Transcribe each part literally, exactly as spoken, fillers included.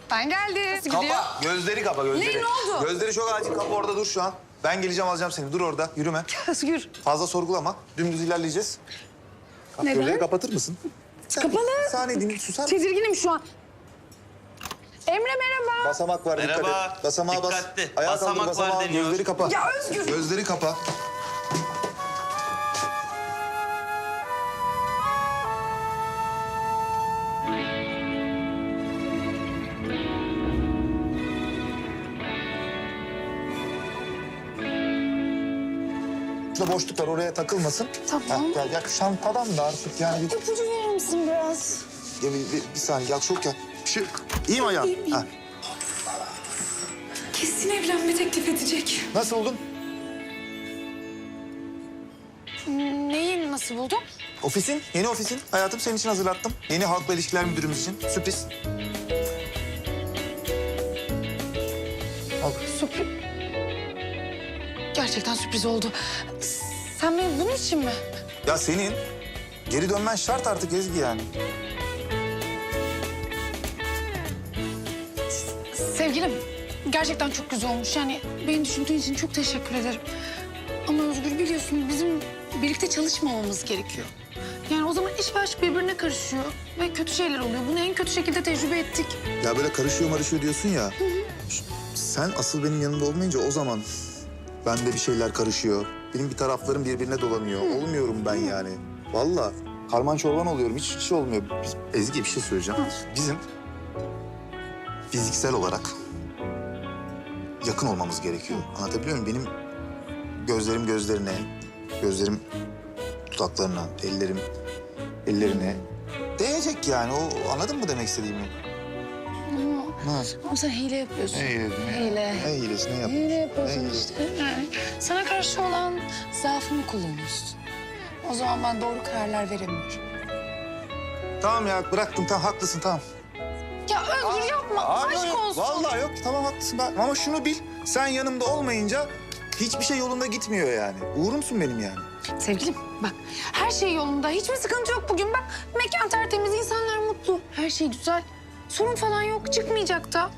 Ben geldim. Nasıl gidiyor? Kapa, gözleri kapa, gözleri. Ne, ne oldu? Gözleri çok acil, kapa orada dur şu an. Ben geleceğim, alacağım seni. Dur orada, yürüme. Özgür. Fazla sorgulama, dümdüz ilerleyeceğiz. Kap, Neden? gözleri kapatır mısın? Sen Kapalı. Bir saniye dinle, susar mısın? Tedirginim şu an. Emre merhaba. Basamak var, dikkat Merhaba. et. Basamağa bas. Dikkatli. Ayağa Basamak kaldır, var basamağa. deniyor. Gözleri kapa. Ya Özgür. Gözleri kapa. Şurada boşluk var, oraya takılmasın. Tamam. Heh, gel, gel. Şantadan da artık yani. Bir, İpucu verir misin biraz? ya bir, bir, bir saniye, gel çok gel. Bir şey... İyi mi ayağın? İyiyim, iyiyim. Ha. Kesin evlenme teklif edecek. Nasıl buldun? Neyi nasıl buldun? Ofisin, yeni ofisin. Hayatım senin için hazırlattım. Yeni halkla ilişkiler müdürümüz için. Sürpriz. Al. Sürpriz. Gerçekten sürpriz oldu. Sen beni bunun için mi? Ya senin geri dönmen şart artık Ezgi yani. Sevgilim, gerçekten çok güzel olmuş. Yani beni düşündüğün için çok teşekkür ederim. Ama Özgür biliyorsun bizim birlikte çalışmamamız gerekiyor. Yani o zaman iş ve aşk birbirine karışıyor ve kötü şeyler oluyor. Bunu en kötü şekilde tecrübe ettik. Ya böyle karışıyor marışıyor diyorsun ya. Sen asıl benim yanımda olmayınca o zaman bende bir şeyler karışıyor. Benim bir taraflarım birbirine dolanıyor. Olmuyorum ben yani. Vallahi karman çorban oluyorum. Hiç, hiç olmuyor. Biz, Ezgi bir şey söyleyeceğim. Bizim fiziksel olarak yakın olmamız gerekiyor. Anlatabiliyor muyum? Benim gözlerim gözlerine, gözlerim dudaklarına, ellerim ellerine değecek yani. O anladın mı demek istediğimi? Ama, Ha. ama sen hile yapıyorsun. Ne hilesi? Hile. Ne hilesi? Ne yapıyorsun? Hile yapıyorsun Ne hilesi? işte. Yani sana karşı olan zaafımı kullanıyorsun. O zaman ben doğru kararlar veremiyorum. Tamam ya bıraktım. Tamam haklısın tamam. Ya Özgür yapma. Aa, Aşk yok, olsun. Vallahi yok. Tamam haklısın. Ben, ama şunu bil. Sen yanımda olmayınca hiçbir şey yolunda gitmiyor yani. Uğurumsun benim yani. Sevgilim bak her şey yolunda. Hiçbir sıkıntı yok bugün. Bak mekan tertemiz, insanlar mutlu. Her şey güzel. Sorun falan yok. Çıkmayacak da.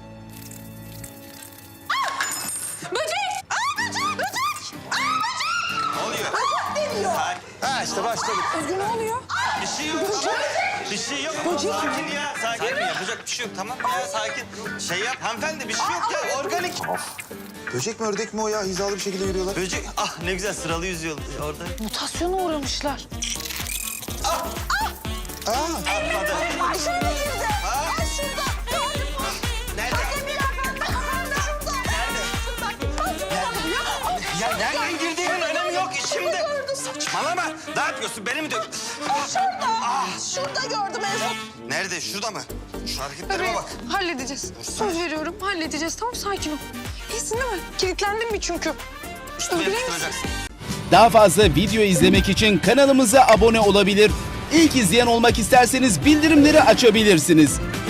Ah! Böcek! Aa, böcek! Böcek! Aa, böcek! Ne oluyor? Böcek geliyor. Ha işte başladık. Özgür ne oluyor? Bir şey yok. Bir şey yok. Sakin ya. Sakin. Sakin. Yapacak bir şey yok. Tamam ya sakin. Şey yap hanımefendi bir şey yok ya. Organik. Böcek mi ördek mi o ya? Hizalı bir şekilde yürüyorlar. Böcek. Ah ne güzel sıralı yüzüyor orada. Mutasyona uğramışlar. Aa, Atladı. Ay şöyle girdi. Ay şurada. Gördün mü? Nerede? Hadi bir dakika. Şurada. Nerede? Ya nereden girdiğinin önemi yok işimde. Saçmalama. Ne yapıyorsun? Beni mi dök? Şurada. Şurada gördüm en son. Nerede? Şurada mı? Şu hareketlerime Tabii bak. halledeceğiz. Söz veriyorum halledeceğiz. Tamam sakin ol. İyisin değil mi? Kilitlendin mi çünkü? Üstüme Öldüreyim mi? yapıştıracaksın. Daha fazla video izlemek için kanalımıza abone olabilir. İlk izleyen olmak isterseniz bildirimleri açabilirsiniz.